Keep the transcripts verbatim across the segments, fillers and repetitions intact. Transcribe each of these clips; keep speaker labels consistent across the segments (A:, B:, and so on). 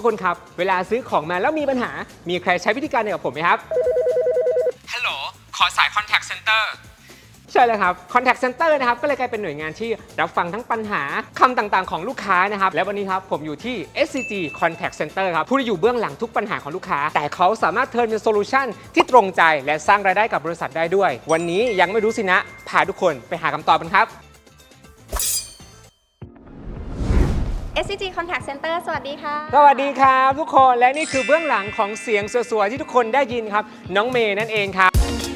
A: กคนครับเวลาซื้อของมาแล้วมีปัญหามีใครใช้วิธีการเดียวกับผมไหมครับฮัลโหลขอสาย Contact Center ใช่เลยครับ Contact Center นะครับก็เลยกลายเป็นหน่วยงานที่รับฟังทั้งปัญหาคำต่างๆของลูกค้านะครับและวันนี้ครับผมอยู่ที่ เอส ซี จี Contact Center ครับผู้ที่อยู่เบื้องหลังทุกปัญหาของลูกค้าแต่เขาสามารถเทิร์นเป็นโซลูชันที่ตรงใจและสร้างรายได้กับบริษัทได้ด้วยวันนี้ยังไม่รู้สินะพาทุกคนไปหาคำตอบกันครับ
B: เอส ซี จี Contact Center สวัสดีค่ะ
A: สวัสดีครับทุกคนและนี่คือเบื้องหลังของเสียงสวยๆที่ทุกคนได้ยินครับน้องเมย์นั่นเองครับ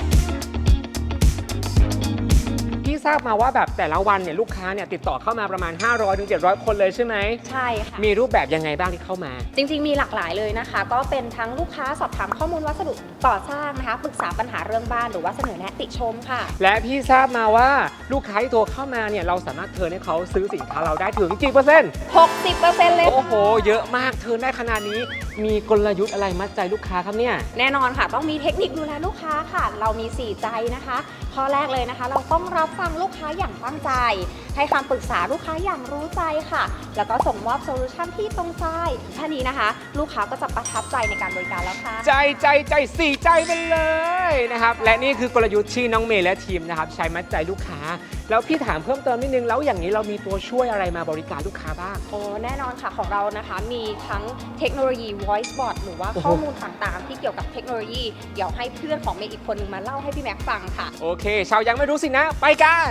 A: พี่ทราบมาว่าแบบแต่ละวันเนี่ยลูกค้าเนี่ยติดต่อเข้ามาประมาณ ห้าร้อยถึงเจ็ดร้อย คนเลยใช่ไหม
B: ใช่ค่ะ
A: มีรูปแบบยังไงบ้างที่เข้ามา
B: จริงๆมีหลากหลายเลยนะคะก็เป็นทั้งลูกค้าสอบถามข้อมูลวัสดุก่อสร้างนะคะปรึกษาปัญหาเรื่องบ้านหรือว่าเสนอแนะติชมค่ะ
A: และพี่ทราบมาว่าลูกค้าที่โทรเข้ามาเนี่ยเราสามารถเทิร์นให้เขาซื้อสินค้าเราได้ถึงกี่เปอร์เซ็นต์
B: หกสิบเปอร์เซ็นต์ เลย
A: โอ้โหเยอะมากเทิร์นได้ขนาดนี้มีกลยุทธ์อะไรมัดใจลูกค้าครับเนี่ย
B: แน่นอนค่ะต้องมีเทคนิคดูแลลูกค้าค่ะเรามีสี่ใจนะคะข้อแรกเลยนะคะเราต้องรับฟังลูกค้าอย่างตั้งใจให้คำปรึกษาลูกค้าอย่างรู้ใจค่ะแล้วก็ส่งมอบโซลูชันที่ตรงใจท่านี้นะคะลูกค้าก็จะประทับใจในการบริการแล้วค่ะ
A: ใจใจใจสี่ใจไปเลยนะครับและนี่คือกลยุทธ์ที่น้องเมย์และทีมนะครับใช้มัดใจลูกค้าแล้วพี่ถามเพิ่มเติมนิดนึงแล้วอย่างนี้เรามีตัวช่วยอะไรมาบริการลูกค้าบ้าง
B: โอ้แน่นอนค่ะของเรานะคะมีทั้งเทคโนโลยี voice bot หรือว่าข้อมูลต่างๆที่เกี่ยวกับเทคโนโลยีเดี๋ยวให้เพื่อนของเมย์อีกคนนึงมาเล่าให้พี่แม็กฟังค่ะ
A: โอเคชาวยังไม่รู้สินะไปกัน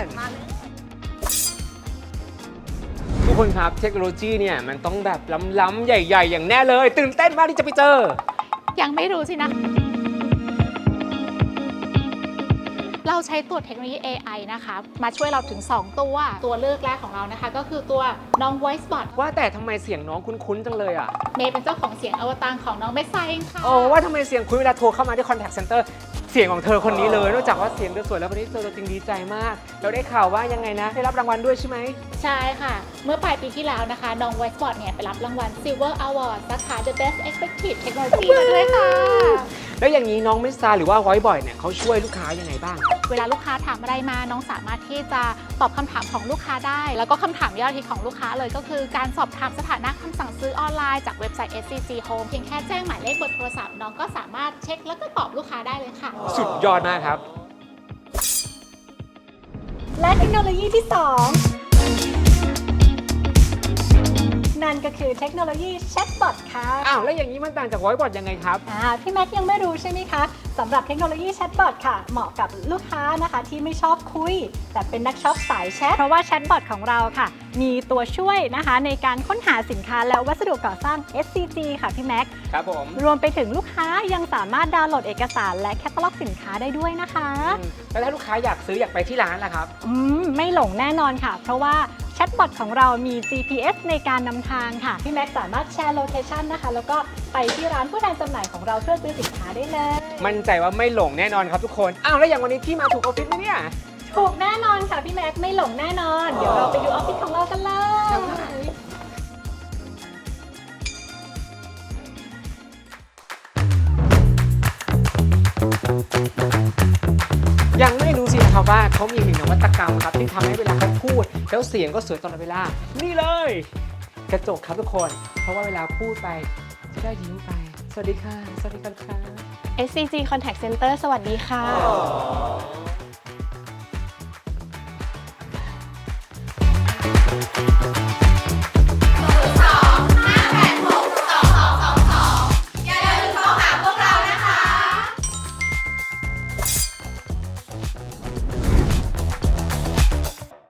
A: ทุกคนครับเทคโนโลยีเนี่ยมันต้องแบบล้ำๆใหญ่ๆอย่างแน่เลยตื่นเต้นมากที่จะไปเจอ
C: ยังไม่รู้สินะเราใช้ตัวเทคโนโลยี เอ ไอ นะคะมาช่วยเราถึงสองตัวตัวเลือกแรกของเรานะคะก็คือตัวน้อง voice bot
A: ว่าแต่ทำไมเสียงน้องคุ้นๆจังเลยอ่ะ
C: เมย์เป็นเจ้าของเสียงอวตารของน้องเมสไซเองค่ะ
A: โอ้ว่าทำไมเสียงคุ้นเวลาโทรเข้ามาที่ Contact Center เสียงของเธอคนนี้เลยนอกจากว่าเสียงเธอสวยแล้ววันนี้เจอตัวจริงดีใจมากเราได้ข่าวว่ายังไงนะได้รับรางวัลด้วยใช่ไหม
C: ใช่ค่ะเมื่อปลายปีที่แล้วนะคะน้อง voice bot เนี่ยไปรับรางวัล Silver Award สาขา The Best Effective Technology มาด้วยค่ะ
A: แล้วอย่างนี้น้องเมสซาหรือว่า voice bot เนี่ยเขาช่วยลูกค้ายังไงบ้าง
C: เวลาลูกค้าถามอะไรมาน้องสามารถที่จะตอบคำถามของลูกค้าได้แล้วก็คำถามยอดฮิตของลูกค้าเลยก็คือการสอบถามสถานะคำสั่งซื้อออนไลน์จากเว็บไซต์ เอส ซี จี Home เพียงแค่แจ้งหมายเลขเบอร์โทรศัพท์น้องก็สามารถเช็คแล้วก็ตอบลูกค้าได้เลยค่ะ
A: สุดยอดมากครับ
D: และเทคโนโลยีที่สองนั่นก็คือเทคโนโลยีแชทบอทค่ะ
A: อ้าวแล้วอย่างนี้มันต่างจาก voice bot ยังไงครับ
D: อ่าพี่แม็กยังไม่รู้ใช่ไหมคะสำหรับเทคโนโลยีแชทบอทค่ะเหมาะกับลูกค้านะคะที่ไม่ชอบคุยแต่เป็นนักช็อปสายแชทเพราะว่าแชทบอทของเราค่ะมีตัวช่วยนะคะในการค้นหาสินค้าและวัสดุก่อสร้าง เอส ซี จี ค่ะพี่แม็ก
A: ครับผม
D: รวมไปถึงลูกค้ายังสามารถดาวน์โหลดเอกสารและแคตตาล็อกสินค้าได้ด้วยนะคะ
A: แล้วถ้าลูกค้าอยากซื้ออยากไปที่ร้านล่ะครับ
D: อืมไม่หลงแน่นอนค่ะเพราะว่าแชทบอทของเรามี จี พี เอส ในการนำทางค่ะพี่แม็กสามารถแชร์โลเคชันนะคะแล้วก็ไปที่ร้านผู้แทนจำหน่ายของเราเพื่อซื้อสินค้าได้เลย
A: มั่นใจว่าไม่หลงแน่นอนครับทุกคนอ้าวแล้วอย่างวันนี้พี่มาถูกออฟฟิศไหมเนี่ย
D: ถูกแน่นอนค่ะพี่แม็กไม่หลงแน่นอนเดี๋ยวเราไปดูออฟฟิศของเรากันเลย
A: ยังไม่รู้สินะครับว่าเขามีหนึ่งนวัตกรรมครับที่ทำให้เวลาเขาพูดแล้วเสียงก็สวยตลอดเวลานี่เลยกระจกครับทุกคนเพราะว่าเวลาพูดไปจะได้ยิ้มไปสวัสดีค่ะสวัสดีครับ
E: เอส ซี จี Contact Center สวัสดีค่ะ
A: อ